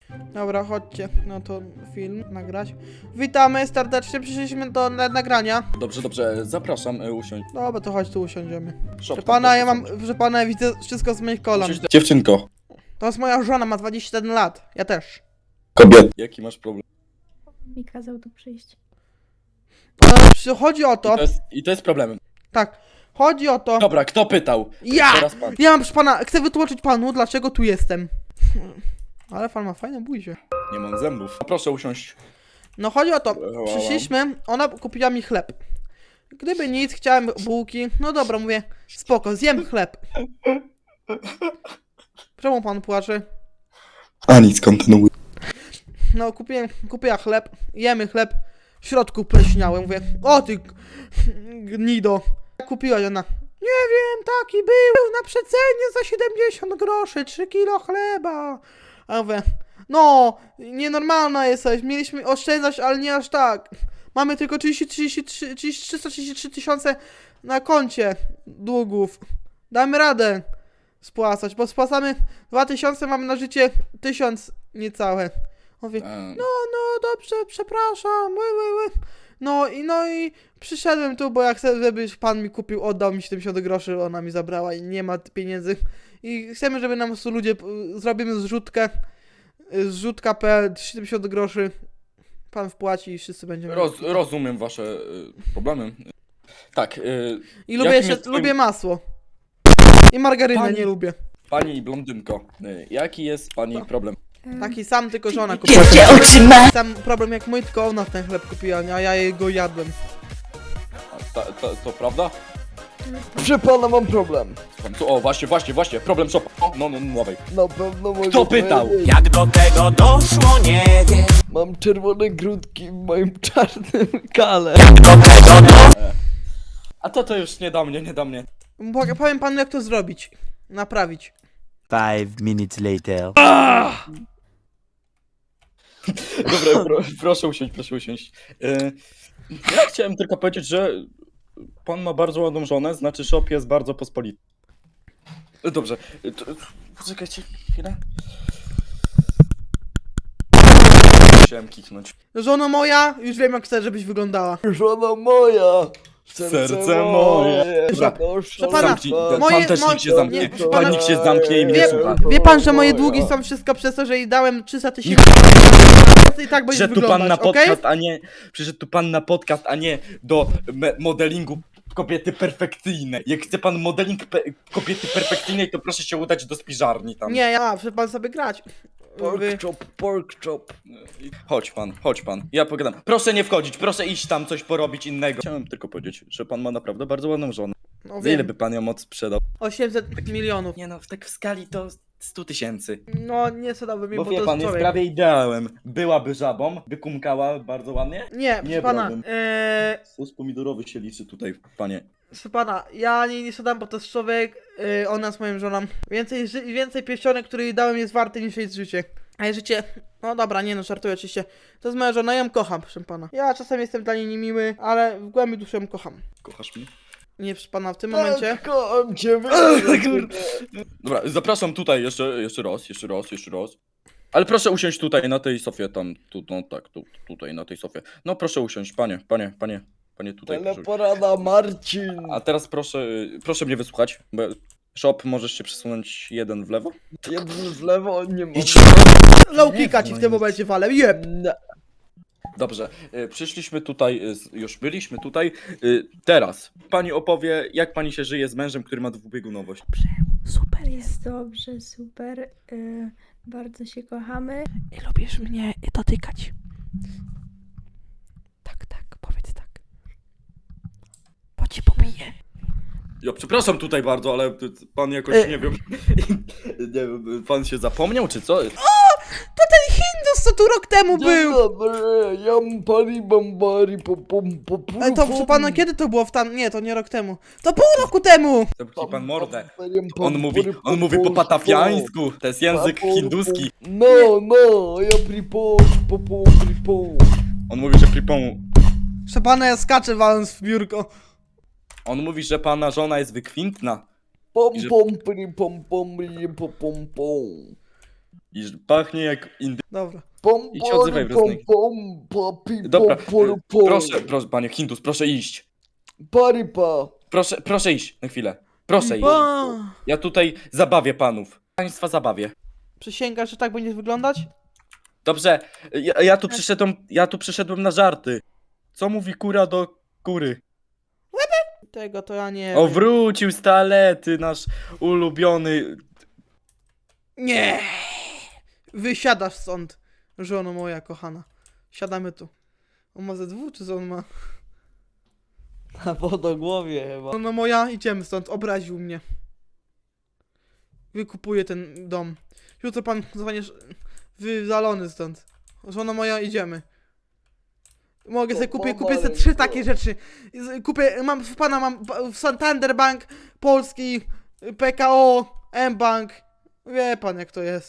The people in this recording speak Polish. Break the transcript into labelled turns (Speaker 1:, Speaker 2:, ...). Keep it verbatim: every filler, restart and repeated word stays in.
Speaker 1: Dobra, chodźcie, no to film nagrać. Witamy serdecznie, przyszliśmy do na nagrania.
Speaker 2: Dobrze, dobrze, zapraszam, y, usiądź.
Speaker 1: Dobra, to chodź tu usiądziemy.
Speaker 2: Szop,
Speaker 1: Proszę pana, ja mam, proszę pana, ja widzę wszystko z moich kolan.
Speaker 2: Usiądź- Dziewczynko.
Speaker 1: To jest moja żona, ma dwadzieścia jeden lat, ja też.
Speaker 2: Kobiet. Jaki masz problem?
Speaker 3: Mi kazał tu przyjść.
Speaker 1: E, przy- chodzi o
Speaker 2: I
Speaker 1: to,
Speaker 2: to jest, i to jest problemem.
Speaker 1: tak, chodzi o to,
Speaker 2: Dobra, kto pytał?
Speaker 1: ja!
Speaker 2: Teraz pan.
Speaker 1: Ja mam, proszę pana, chcę wytłumaczyć panu, dlaczego tu jestem. Ale pan ma fajne buzie.
Speaker 2: Nie mam zębów. A proszę usiąść.
Speaker 1: No chodzi o to,
Speaker 2: Wow.
Speaker 1: przyszliśmy, ona kupiła mi chleb. Gdyby nic, chciałem bułki, no dobra, mówię, spoko, zjem chleb. Czemu pan płacze?
Speaker 2: A nic, kontynuuj.
Speaker 1: No kupiłem, kupiła chleb, jemy chleb, w środku pleśniałem, mówię, o ty g- gnido. Kupiłaś ona, nie wiem, taki był na przecenie za siedemdziesiąt groszy, trzy kilo chleba. A ja mówię, no, nienormalna jesteś, mieliśmy oszczędzać, ale nie aż tak. Mamy tylko trzydzieści, trzydzieści trzy, trzysta trzydzieści trzy tysiące na koncie długów. Damy radę spłacać, bo spłacamy dwa tysiące, mamy na życie tysiąc niecałe. Mówię, no, no, dobrze, przepraszam, ły, ły, ły. No i, no i przyszedłem tu, bo ja chcę, żeby pan mi kupił, oddał mi siedemdziesiąt groszy, ona mi zabrała i nie ma pieniędzy. I chcemy, żeby nam tu ludzie, y, zrobimy zrzutkę, y, zrzutka kropka p l, siedemdziesiąt groszy, pan wpłaci i wszyscy będziemy...
Speaker 2: Roz, rozumiem wasze y, problemy. Tak, y,
Speaker 1: I lubię
Speaker 2: jakim
Speaker 1: jeszcze,
Speaker 2: jest twoim-
Speaker 1: lubię masło. I margarynę
Speaker 2: Pani-
Speaker 1: nie lubię.
Speaker 2: pani blondynko, y, jaki jest pani
Speaker 1: Co?
Speaker 2: problem?
Speaker 3: E,
Speaker 1: Taki sam, tylko żona kupiła.
Speaker 3: otrzyma!
Speaker 1: Sam problem jak mój, tylko ona ten chleb kupiła, a ja jego jadłem.
Speaker 2: A, ta, ta, to prawda?
Speaker 4: Proszę pana, mam problem.
Speaker 2: Słucham, tu- O, właśnie, właśnie, właśnie, problem szopa. O, No, no, no, dawaj.
Speaker 4: Na pewno mogę
Speaker 2: Kto pytał?
Speaker 4: powiedzieć.
Speaker 5: Jak do tego doszło, nie wiem.
Speaker 4: Mam czerwone grudki w moim czarnym kale.
Speaker 2: A to to już nie da mnie, nie da mnie.
Speaker 1: Bo- Powiem panu jak to zrobić. Naprawić.
Speaker 6: Five minutes later.
Speaker 2: Dobra, pro, proszę usiąść, proszę usiąść. Y, Ja chciałem tylko powiedzieć, że pan ma bardzo ładną żonę, znaczy shop jest bardzo pospolity. Y, Dobrze, y, to, poczekajcie chwilę. Chciałem kichnąć.
Speaker 1: Żono moja, już wiem jak chcę, żebyś wyglądała.
Speaker 4: Żona moja.
Speaker 2: Serce moje.
Speaker 1: Dobra,
Speaker 4: Proszę
Speaker 1: pana,
Speaker 2: Zamknij,
Speaker 1: moje-
Speaker 2: pan też
Speaker 1: moje-
Speaker 2: niech się zamknie,
Speaker 1: nie, proszę
Speaker 2: pan
Speaker 1: pana-
Speaker 2: niech się zamknie i mnie
Speaker 1: Wie,
Speaker 2: słucha.
Speaker 1: wie pan, że moje długi są wszystko przez to, że jej dałem trzysta tysięcy. I tak będziesz
Speaker 2: Przyszedł tu pan na
Speaker 1: wyglądać, okej?
Speaker 2: podcast, a nie. Przyszedł tu pan na podcast, a nie do me- modelingu kobiety perfekcyjnej. Jak chce pan modeling pe- kobiety perfekcyjnej, to proszę się udać do spiżarni tam.
Speaker 1: Nie, ja, muszę pan sobie grać. Wy...
Speaker 4: Pork chop, pork chop.
Speaker 2: Chodź pan, chodź pan. Ja pogadam. Proszę nie wchodzić, proszę iść tam coś porobić innego. Chciałem tylko powiedzieć, że pan ma naprawdę bardzo ładną żonę.
Speaker 1: No
Speaker 2: Za ile
Speaker 1: wiem,
Speaker 2: by pan ją moc sprzedał?
Speaker 1: osiemset milionów.
Speaker 2: Nie no, tak w skali to sto tysięcy.
Speaker 1: No nie sprzedałbym mi,
Speaker 2: Bo
Speaker 1: bo,
Speaker 2: wie
Speaker 1: to
Speaker 2: pan,
Speaker 1: jest
Speaker 2: jest
Speaker 1: człowiek.
Speaker 2: prawie ideałem. Byłaby żabą, by kumkała bardzo ładnie.
Speaker 1: Nie, proszę
Speaker 2: Nie
Speaker 1: pana,
Speaker 2: brałbym.
Speaker 1: eee,
Speaker 2: Sos pomidorowy się liczy tutaj, panie.
Speaker 1: proszę pana, ja nie, nie sprzedam, bo to jest człowiek, yy, ona jest moją żoną. Więcej, ży- więcej pierścionek, które jej dałem jest warte niż jej życie. A jej życie, no dobra, nie no, żartuję oczywiście. To jest moja żona, ja ją kocham, proszę pana. Ja czasem jestem dla niej niemiły, ale w głębi duszy ją kocham.
Speaker 2: Kochasz mnie?
Speaker 1: Nie, proszę pana, w tym momencie.
Speaker 4: Tak, kocham cię.
Speaker 2: Dobra, zapraszam tutaj jeszcze, jeszcze raz, jeszcze raz, jeszcze raz. Ale proszę usiąść tutaj na tej sofie, tam, tu, no tak, tu, tutaj na tej sofie. No proszę usiąść, panie, panie, panie, panie tutaj. Proszę.
Speaker 4: Teleporada Marcin.
Speaker 2: A teraz proszę, proszę mnie wysłuchać, bo shop możesz się przesunąć jeden w lewo.
Speaker 4: Jeden w lewo, nie ma.
Speaker 2: Idź.
Speaker 1: Low kicka ci w tym momencie walę, jeb!
Speaker 4: Nie.
Speaker 2: Dobrze, y, przyszliśmy tutaj, y, z- już byliśmy tutaj. Y, teraz pani opowie, jak pani się żyje z mężem, który ma dwubiegunowość.
Speaker 3: Super jest dobrze, super. Y, bardzo się kochamy.
Speaker 1: I lubisz mnie dotykać. Tak, tak, powiedz tak. Bo ci pobiję.
Speaker 2: Ja przepraszam tutaj bardzo, ale ty- ty- pan jakoś,
Speaker 1: E.
Speaker 2: nie wiem, nie wiem, pan się zapomniał, czy co?
Speaker 1: To ten Hindus, co tu rok temu
Speaker 4: Dzień
Speaker 1: był!
Speaker 4: dobry, jam pari bambari po pom po pum,
Speaker 1: Ale to, proszę pana, kiedy to było w tam... Nie, to nie rok temu. To pół roku temu!
Speaker 2: Zamknij pan mordę.
Speaker 4: pom,
Speaker 2: On mówi,
Speaker 4: pom,
Speaker 2: on mówi po
Speaker 4: pom,
Speaker 2: patafiańsku, to jest język
Speaker 4: pom,
Speaker 2: hinduski.
Speaker 4: No, no, ja pripom, po pom, pripom.
Speaker 2: On mówi, że pripon...
Speaker 1: Proszę pana, ja skaczę waląc w biurko.
Speaker 2: On mówi, że pana żona jest wykwintna.
Speaker 4: Pom,
Speaker 2: I że-
Speaker 4: pom, pri, pom, pom, ri, po, pom, pom.
Speaker 2: I że pachnie jak indy...
Speaker 1: Dobra.
Speaker 4: Pom,
Speaker 2: I się odzywaj w
Speaker 4: pom,
Speaker 2: roznych-
Speaker 4: pom, papi,
Speaker 2: Dobra,
Speaker 4: pom, pom,
Speaker 2: y,
Speaker 4: pom.
Speaker 2: proszę, proszę, panie Hindus, proszę iść.
Speaker 4: Paripa.
Speaker 2: Proszę, proszę iść na chwilę. Proszę iść.
Speaker 1: O,
Speaker 2: Ja tutaj zabawię panów. Państwa zabawię.
Speaker 1: przysięgasz, że tak będziesz wyglądać?
Speaker 2: Dobrze, ja, ja tu przyszedłem, ja tu przyszedłem na żarty. Co mówi kura do kury?
Speaker 1: Tego to ja nie
Speaker 2: O,
Speaker 1: wiem.
Speaker 2: wrócił z toalety, nasz ulubiony...
Speaker 1: Nie! Wysiadasz stąd, żono moja kochana. Siadamy tu. On ma ze dwóch, czy co on ma?
Speaker 7: Na wodogłowie chyba.
Speaker 1: Żono moja, idziemy stąd, obraził mnie. Wykupuję ten dom. Jutro pan zostaniesz wywalony stąd. Żono moja, idziemy. Mogę sobie kupię, kupię sobie trzy takie rzeczy. Z- Kupię, mam w pana, mam w Santander Bank, Polski, P K O, M-Bank. Wie pan jak to jest.